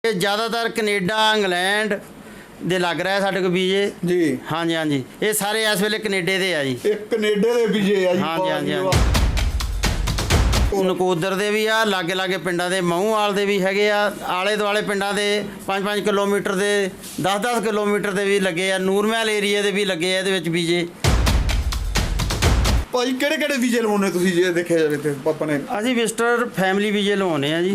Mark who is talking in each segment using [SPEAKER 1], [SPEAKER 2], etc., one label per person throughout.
[SPEAKER 1] ਇਹ ਜ਼ਿਆਦਾਤਰ Canada England ਦੇ ਲੱਗ ਰਿਹਾ ਸਾਡੇ ਕੋਲ ਵੀਜ਼ੇ
[SPEAKER 2] ਜੀ।
[SPEAKER 1] ਹਾਂਜੀ ਹਾਂਜੀ, ਇਹ ਸਾਰੇ ਇਸ ਵੇਲੇ ਕੈਨੇਡੇ ਦੇ ਆ ਜੀ।
[SPEAKER 2] ਇਹ ਕੈਨੇਡਾ ਦੇ ਵੀਜ਼ੇ ਆ ਜੀ।
[SPEAKER 1] ਹਾਂਜੀ ਹਾਂਜੀ ਨਕੋਦਰ ਦੇ ਵੀ ਆ, ਲਾਗੇ ਲਾਗੇ ਪਿੰਡਾਂ ਦੇ ਮਹੂਵਾਲ ਦੇ ਵੀ ਹੈਗੇ ਆ, ਆਲੇ ਦੁਆਲੇ ਪਿੰਡਾਂ ਦੇ 5-5 ਕਿਲੋਮੀਟਰ ਦੇ 10-10 ਕਿਲੋਮੀਟਰ ਦੇ ਵੀ ਲੱਗੇ ਆ, ਨੂਰਮਹਿਲ ਏਰੀਆ ਦੇ ਵੀ ਲੱਗੇ ਆ ਇਹਦੇ ਵਿੱਚ ਵੀਜ਼ੇ।
[SPEAKER 2] ਭਾਈ ਕਿਹੜੇ ਕਿਹੜੇ ਵੀਜ਼ੇ ਲਵਾਉਣੇ ਤੁਸੀਂ ਜੇ ਦੇਖਿਆ ਜਾਵੇ ਤੇ ਪਾਪਾ ਨੇ?
[SPEAKER 1] ਅਸੀਂ ਵਿਜ਼ਟਰ ਫੈਮਿਲੀ ਵੀਜ਼ੇ ਲਵਾਉਣੇ ਆ ਜੀ।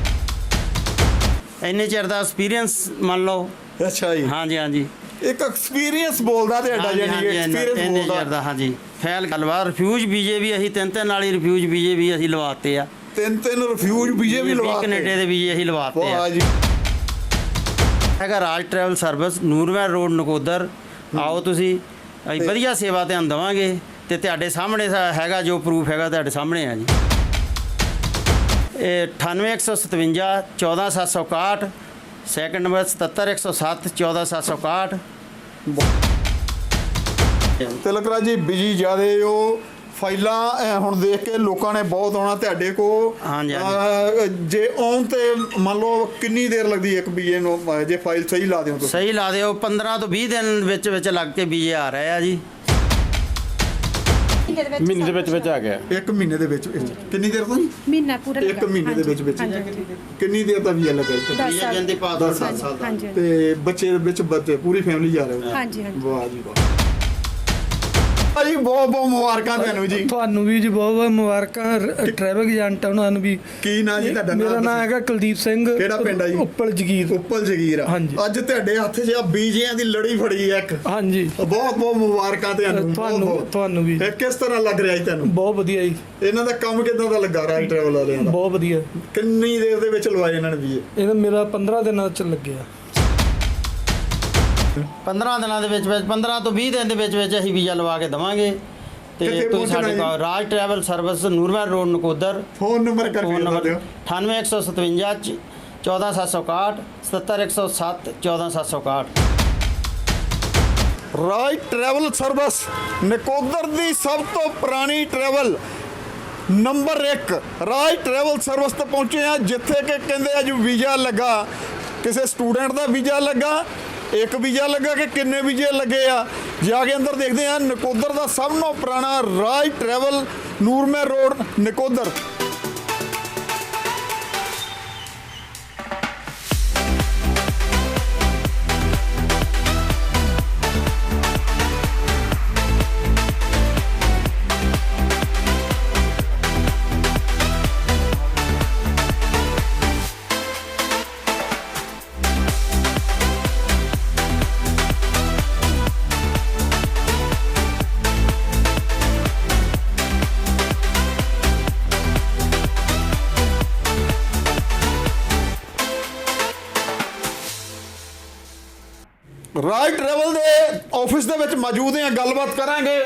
[SPEAKER 1] ਇੰਨੇ ਚਿਰ ਦਾ ਐਕਸਪੀਰੀਅੰਸ ਮੰਨ ਲਓ।
[SPEAKER 2] ਅੱਛਾ ਜੀ।
[SPEAKER 1] ਹਾਂਜੀ ਹਾਂਜੀ,
[SPEAKER 2] ਇੱਕ ਐਕਸਪੀਰੀਅੰਸ ਬੋਲਦਾ ਤੇ ਅੱਡਾ ਜਾਨੀ ਐਕਸਪੀਰੀਅੰਸ
[SPEAKER 1] ਇੰਨੇ ਚਿਰ
[SPEAKER 2] ਬੋਲਦਾ।
[SPEAKER 1] ਦਾ ਹਾਂਜੀ। ਫੈਲ ਗੱਲਬਾਤ ਰਿਫਿਊਜ ਵੀਜ਼ੇ ਵੀ ਅਸੀਂ ਤਿੰਨ ਵਾਲੀ ਰਿਫਿਊਜ ਵੀਜ਼ੇ ਵੀ ਅਸੀਂ ਲਵਾਤੇ ਆ।
[SPEAKER 2] ਤਿੰਨ ਰਿਫਿਊਜ ਵੀਜ਼ੇ ਵੀ ਲਵਾ
[SPEAKER 1] ਕੈਨੇਡਾ ਦੇ ਵੀਜ਼ੇ ਅਸੀਂ ਲਵਾਤੇ ਆ।
[SPEAKER 2] ਵਾਹ ਜੀ।
[SPEAKER 1] ਹੈਗਾ Raj travel service, Nurmahal road, Nakodar. ਆਓ ਤੁਸੀਂ, ਅਸੀਂ ਵਧੀਆ ਸੇਵਾ ਧਿਆਨ ਦੇਵਾਂਗੇ ਤੇ ਤੁਹਾਡੇ ਸਾਹਮਣੇ ਹੈਗਾ ਜੋ ਪ੍ਰੂਫ ਹੈਗਾ ਤੁਹਾਡੇ ਸਾਹਮਣੇ ਆ ਜੀ। ਇਹ 98157 14761, ਸੈਕਿੰਡ ਨੰਬਰ 77107 14761।
[SPEAKER 2] ਤਿਲਕ ਰਾਜ ਜੀ ਬਿਜੀ ਜਿਆਦੇ ਉਹ ਫਾਈਲਾਂ ਹੁਣ ਦੇਖ ਕੇ ਲੋਕਾਂ ਨੇ ਬਹੁਤ ਆਉਣਾ ਤੁਹਾਡੇ ਕੋ।
[SPEAKER 1] ਹਾਂਜੀ
[SPEAKER 2] ਜੇ ਆਉਣ ਤੇ ਮੰਨ ਲਓ ਕਿੰਨੀ ਦੇਰ ਲੱਗਦੀ ਇੱਕ ਵੀਜ਼ੇ ਨੂੰ ਜੇ ਫਾਈਲ ਸਹੀ ਲਾ ਦਿਓ ਤੁਸੀਂ?
[SPEAKER 1] ਸਹੀ ਲਾ ਦਿਓ, 15 ਤੋਂ 20 ਦਿਨ ਵਿੱਚ ਲੱਗ ਕੇ ਵੀਜ਼ੇ ਆ ਰਹੇ ਆ ਜੀ।
[SPEAKER 3] ਮਹੀਨੇ ਦੇ ਵਿੱਚ ਆ ਗਿਆ।
[SPEAKER 2] ਇੱਕ ਮਹੀਨੇ ਦੇ ਵਿੱਚ ਕਿੰਨੀ ਦੇਰ ਤੋਂ ਜੀ?
[SPEAKER 4] ਮਹੀਨਾ ਪੂਰਾ
[SPEAKER 2] ਇੱਕ ਮਹੀਨੇ ਦੇ ਵਿੱਚ ਕਿੰਨੀ ਦੇਰ ਦਾ ਵੀਜ਼ਾ ਲੱਗਾ ਇੱਥੇ?
[SPEAKER 4] 10 ਸਾਲ
[SPEAKER 1] ਜਾਂਦੇ ਪਾ
[SPEAKER 2] 10 ਸਾਲ ਦਾ।
[SPEAKER 4] ਹਾਂਜੀ
[SPEAKER 2] ਤੇ ਬੱਚੇ ਦੇ ਵਿੱਚ ਪੂਰੀ ਫੈਮਿਲੀ ਜਾ ਰਹੇ ਹੋ?
[SPEAKER 4] ਹਾਂਜੀ ਹਾਂਜੀ।
[SPEAKER 2] ਵਾਹ ਜੀ ਵਾਹ ਭਾਜੀ, ਬਹੁਤ ਬਹੁਤ ਮੁਬਾਰਕਾਂ ਤੁਹਾਨੂੰ ਜੀ।
[SPEAKER 5] ਤੁਹਾਨੂੰ ਵੀ ਜੀ ਬਹੁਤ ਬਹੁਤ ਮੁਬਾਰਕਾਂ ਟਰੈਵਲ ਏਜੰਟ ਉਹਨਾਂ ਨੂੰ ਵੀ।
[SPEAKER 2] ਕੀ ਨਾਂ ਜੀ ਤੁਹਾਡਾ?
[SPEAKER 5] ਮੇਰਾ ਨਾਮ ਹੈਗਾ ਕੁਲਦੀਪ ਸਿੰਘ।
[SPEAKER 2] ਕਿਹੜਾ ਪਿੰਡ ਆ ਜੀ?
[SPEAKER 5] ਉੱਪਲ ਜਗੀਰ।
[SPEAKER 2] ਉੱਪਲ ਜਗੀਰ।
[SPEAKER 5] ਹਾਂਜੀ।
[SPEAKER 2] ਅੱਜ ਤੁਹਾਡੇ ਹੱਥ 'ਚ ਆ ਬੀਜਿਆਂ ਦੀ ਲੜੀ ਫੜੀ ਆ ਇੱਕ।
[SPEAKER 5] ਹਾਂਜੀ,
[SPEAKER 2] ਬਹੁਤ ਬਹੁਤ ਮੁਬਾਰਕਾਂ
[SPEAKER 5] ਤੁਹਾਨੂੰ ਵੀ।
[SPEAKER 2] ਇਹ ਕਿਸ ਤਰ੍ਹਾਂ ਲੱਗ ਰਿਹਾ ਜੀ ਤੁਹਾਨੂੰ?
[SPEAKER 5] ਬਹੁਤ ਵਧੀਆ ਜੀ।
[SPEAKER 2] ਇਹਨਾਂ ਦਾ ਕੰਮ ਕਿੱਦਾਂ ਦਾ ਲੱਗਾ ਰਾਜ ਟਰੈਵਲ ਵਾਲਿਆਂ ਦਾ?
[SPEAKER 5] ਬਹੁਤ ਵਧੀਆ।
[SPEAKER 2] ਕਿੰਨੀ ਦੇਰ ਦੇ ਵਿੱਚ ਲਵਾਏ ਇਹਨਾਂ ਨੇ ਵੀਜ਼ੇ?
[SPEAKER 5] ਇਹ ਮੇਰਾ 15 ਦਿਨਾਂ ਚ ਲੱਗਿਆ।
[SPEAKER 1] 15 ਦਿਨਾਂ ਦੇ ਵਿੱਚ 15 ਤੋਂ 20 ਦਿਨ ਦੇ ਵਿੱਚ ਅਸੀਂ ਵੀਜ਼ਾ ਲਵਾ ਕੇ ਦੇਵਾਂਗੇ। ਤੇ ਤੁਸੀਂ ਸਾਡੇ ਕੋਲ Raj travel service, Nurmahal road, Nakodar.
[SPEAKER 2] Phone number
[SPEAKER 1] phone number 98157 14761 77107 14761।
[SPEAKER 2] Raj travel service Nakodar ਦੀ ਸਭ ਤੋਂ ਪੁਰਾਣੀ travel number 1 Raj travel service ਤੇ ਪਹੁੰਚੇ ਆ, ਜਿੱਥੇ ਕਿ ਕਹਿੰਦੇ ਅੱਜ ਵੀਜ਼ਾ ਲੱਗਾ, ਕਿਸੇ ਸਟੂਡੈਂਟ ਦਾ ਵੀਜ਼ਾ ਲੱਗਾ, ਇੱਕ ਵੀਜ਼ਾ ਲੱਗਾ ਕਿ ਕਿੰਨੇ ਵੀਜ਼ੇ ਲੱਗੇ ਆ। ਜਾ ਕੇ ਅੰਦਰ ਦੇਖਦੇ ਆ। ਨਕੋਦਰ ਦਾ ਸਭ ਤੋਂ ਪੁਰਾਣਾ Raj travel, Nurmahal road, Nakodar. Raj travel ਦੇ ਆਫਿਸ ਦੇ ਵਿੱਚ ਮੌਜੂਦ ਹਾਂ, ਗੱਲਬਾਤ ਕਰਾਂਗੇ।